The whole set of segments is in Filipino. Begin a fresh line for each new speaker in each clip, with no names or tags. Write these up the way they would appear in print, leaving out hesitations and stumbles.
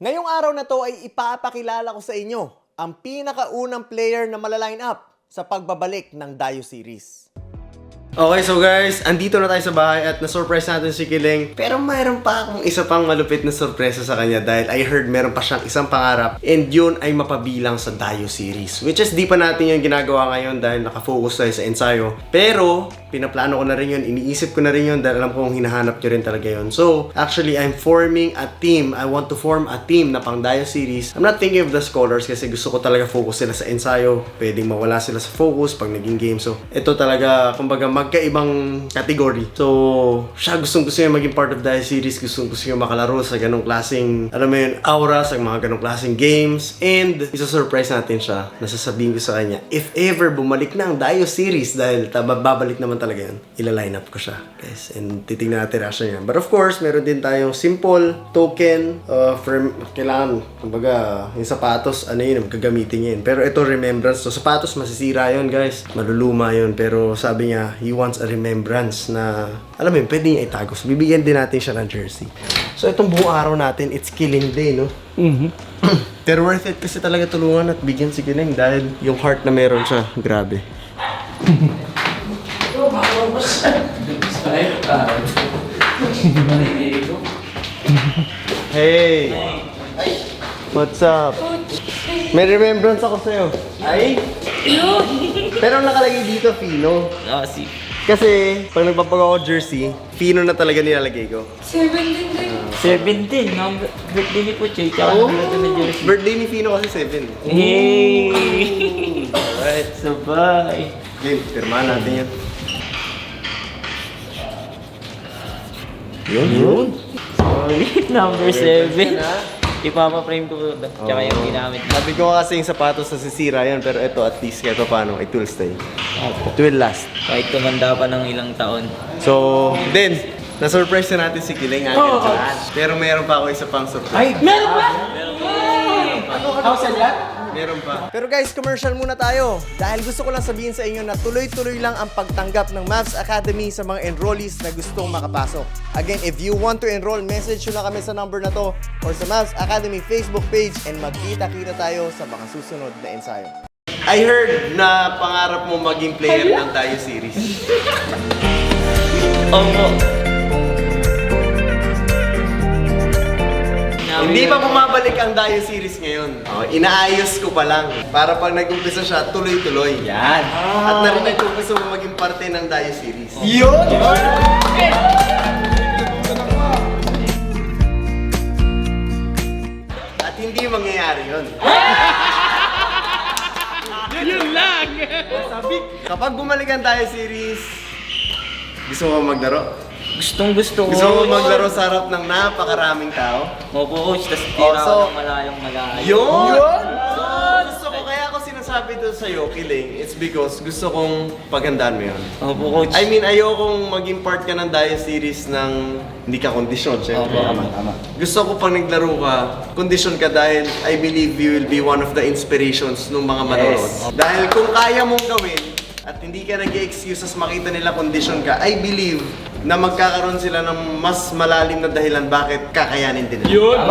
Ngayong araw na to ay ipapakilala ko sa inyo ang pinakaunang player na malaline up sa pagbabalik ng Dayo Series.
Okay, so guys, andito na tayo sa bahay at na-surprise natin si Kiling. Pero mayroon pa akong isa pang malupit na sorpresa sa kanya dahil I heard meron pa siyang isang pangarap and yun ay mapabilang sa Dayo Series. Which is di pa natin yung ginagawa ngayon dahil nakafocus tayo sa ensayo. Pero pinaplano ko na rin yun, iniisip ko na rin yun dahil alam kong hinahanap nyo rin talaga yun. So, actually, I'm forming a team. I want to form a team na pang Dayo Series. I'm not thinking of the scholars kasi gusto ko talaga focus sila sa ensayo. Pwedeng mawala sila sa focus pag naging game. So, ito talaga, kumbaga, magkaibang category. So, siya gusto niya maging part of Dayo Series. Gusto niya makalaro sa ganong klaseng, alam mo yun, aura, sa mga ganong klaseng games. And, isa-surprise natin siya. Nasasabihin ko sa kanya, if ever bumalik na ang Dayo Series, dahil babalik naman talaga yun, ila-line up ko siya, guys. And titignan natin reaction niya. But of course, meron din tayong simple token for kailangan, kumbaga, yung sapatos, ano yun, gagamitin niya yun. Pero ito, remembrance. So, sapatos, masisira yun, guys. Maluluma yun. Pero sabi niya, he wants a remembrance na, alam mo yun, pwede niya itago. So, bibigyan din natin siya ng jersey. So, itong buong araw natin, it's Killing Day, no? Pero worth it kasi talaga tulungan at bigyan si Killing dahil yung heart na meron siya, grabe. Hey! What's up? May remembrance ako sa'yo. Ay? Pero nakalagay dito, Fino.
Si
Kasi, pag nagpapagawa ko jersey, Fino na talaga nilalagay ko.
17. Ang birthday ni Puchay. Tsaka
Oo.
na jersey.
Birthday ni Fino kasi 7.
Hey! Alright, sabay.
Game, pirmahan natin yan. Yun.
Solid. Number 7. Ipapa-frame ko tsaka yung ginamit na.
Sabi ko kasi yung sapatos nasisira yan, pero ito at least kahit paano, it will stay. It will last.
Kahit tumanda pa ng ilang taon.
So, then, na-surprise na natin si Kiling. Pero meron pa ako isa pang surprise.
Ay! Meron ba?
Meron pa.
Pero guys, commercial muna tayo. Dahil gusto ko lang sabihin sa inyo na tuloy-tuloy lang ang pagtanggap ng Mavs Academy sa mga enrollees na gustong makapasok. Again, if you want to enroll, message nyo lang kami sa number na to or sa Mavs Academy Facebook page and magkita-kita tayo sa mga susunod na ensayo.
I heard na pangarap mo maging player ng Dayo Series.
Opo.
Hindi pa bumabalik ang Dayo Series ngayon. Inaayos ko pa lang. Para pag nag-umpisa siya, tuloy-tuloy.
Yan.
At narinig ko gusto mo maging parte ng Dayo Series.
Yun!
At hindi mangyayari yun.
Yun lang!
Kapag bumalik ang Dayo Series, gusto mo maglaro?
Gusto ko.
Gusto mo maglaro sa harap ng napakaraming tao?
Opo, coach. Tapos tira
so-
ako ng malayong malayo.
Yun! So, gusto ko, kaya ako sinasabi to sa'yo, Kiling, it's because gusto kong paghandaan mo yun.
Opo, coach.
I mean, ayokong maging part ka ng Dayo Series ng hindi ka kondisyon, syempre.
Opo, tama.
Gusto ko pag naglaro ka, kondisyon ka dahil I believe you will be one of the inspirations ng mga manonood.
Yes.
Dahil kung kaya mong gawin, at hindi ka nag-excuses makita nila kondisyon ka, I believe na magkakaroon sila ng mas malalim na dahilan bakit kakayanin din nila.
Yun!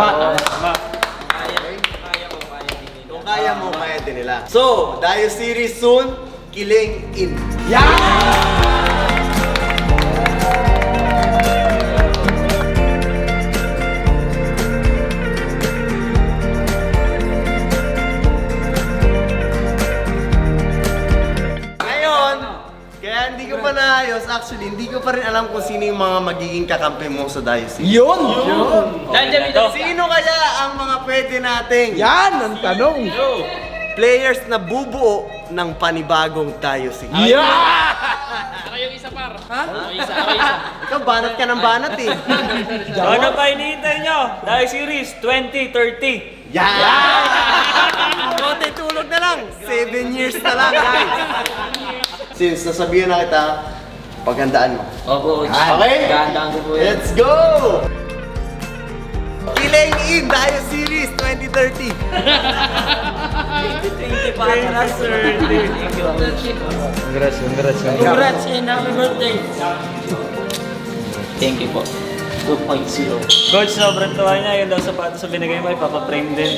Kung kaya mo, kaya din nila. So, Dayo Series soon, Kiling in. Ngayon, kaya hindi ko pa naayos, actually, hindi ko pa rin alam kung sino yung mga magiging kakampi mo sa Dayo Series.
Yun!
Nandiyan ito.
Sino kaya ang mga pwede nating
Yan ang tanong!
players na bubuo ng panibagong Dayo Series?
Ako yung isa par. Ha? Ako isa.
Ikaw, banat ka ng banat eh.
Ano pa hinihintay nyo? Dayo Series 2030.
Yan! Konti tulog na lang. 7 years na lang, guys. Since nasabihan na kita, paghandaan mo.
Opo, coach.
Okay?
Gandaan ko po yan.
Let's go! Kiling in Dayo Series 2030.
20 pa na, sir. Thank you. Congrats and happy birthday. Thank you po. 2.0.
Coach, sobrang tawa niya. Yung daw sapatos sa binigay mo, ipapaprame din.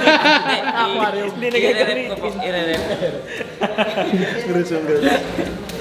Hindi na gagawin. I-rep.